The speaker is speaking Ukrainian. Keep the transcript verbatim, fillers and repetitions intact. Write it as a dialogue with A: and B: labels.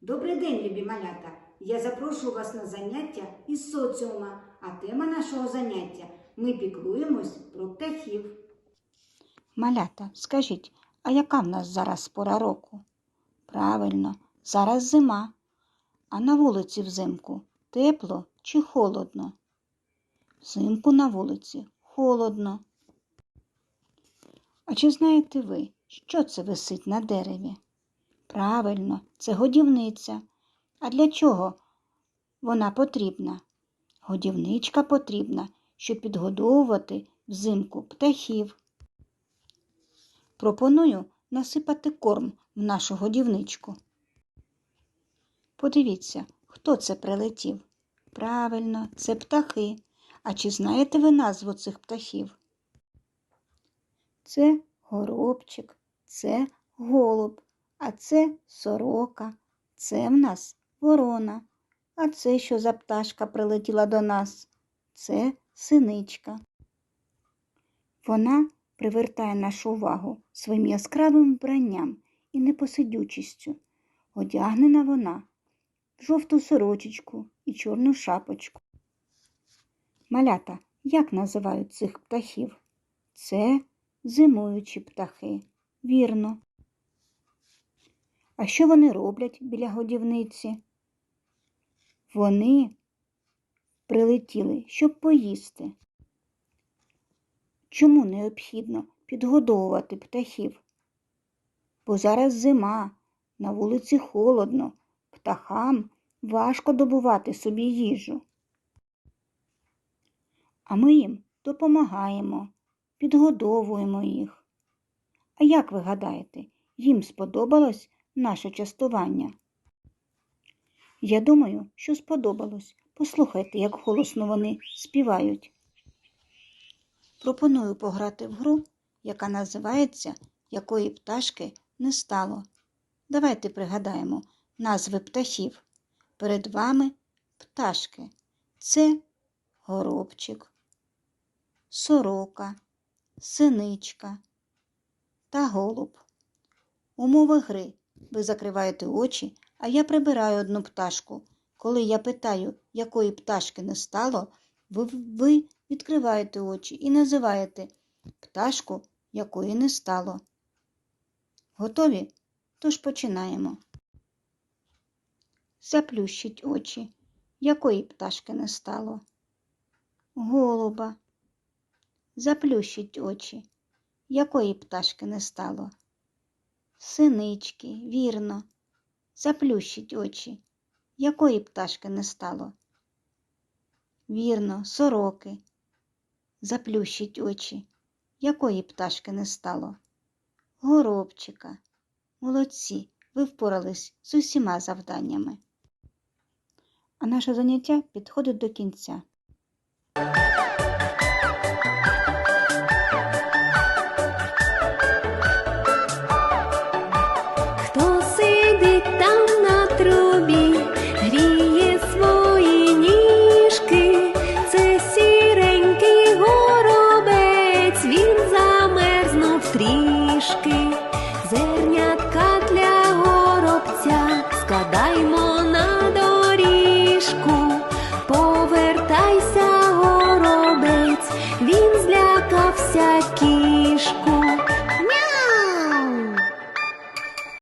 A: Добрий день, любі малята! Я запрошую вас на заняття із соціума, а тема нашого заняття – ми піклуємось про птахів.
B: Малята, скажіть, а яка в нас зараз пора року? Правильно, зараз зима. А на вулиці взимку тепло чи холодно? Взимку на вулиці холодно. А чи знаєте ви, що це висить на дереві? Правильно, це годівниця. А для чого вона потрібна? Годівничка потрібна, щоб підгодовувати взимку птахів. Пропоную насипати корм в нашу годівничку. Подивіться, хто це прилетів? Правильно, це птахи. А чи знаєте ви назву цих птахів? Це горобчик, це голуб, а це сорока, це в нас ворона. А це що за пташка прилетіла до нас? Це синичка. Вона привертає нашу увагу своїм яскравим вбранням і непосидючістю. Одягнена вона в жовту сорочечку і чорну шапочку. Малята, як називають цих птахів? Це зимуючі птахи. Вірно. А що вони роблять біля годівниці? Вони прилетіли, щоб поїсти. Чому необхідно підгодовувати птахів? Бо зараз зима, на вулиці холодно, птахам важко добувати собі їжу. А ми їм допомагаємо, підгодовуємо їх. А як ви гадаєте, їм сподобалось наше частування? Я думаю, що сподобалось. Послухайте, як голосно вони співають. Пропоную пограти в гру, яка називається «Якої пташки не стало». Давайте пригадаємо назви птахів. Перед вами пташки. Це горобчик, сорока, синичка та голуб. Умови гри. Ви закриваєте очі, а я прибираю одну пташку. Коли я питаю, якої пташки не стало, ви, ви відкриваєте очі і називаєте пташку, якої не стало. Готові? Тож починаємо. Заплющіть очі. Якої пташки не стало? Голуба. Заплющіть очі. Якої пташки не стало? Синички, вірно. Заплющіть очі. Якої пташки не стало? Вірно, сороки. Заплющіть очі. Якої пташки не стало? Горобчика. Молодці, ви впорались з усіма завданнями. А наше заняття підходить до кінця.
C: Хто сидить там на трубі, гріє свої ніжки, це сіренький горобець, він замерзнув трішки. Зернятка для горобця складаймо на доріжку. Повертайся, горобець, він злякався кішку.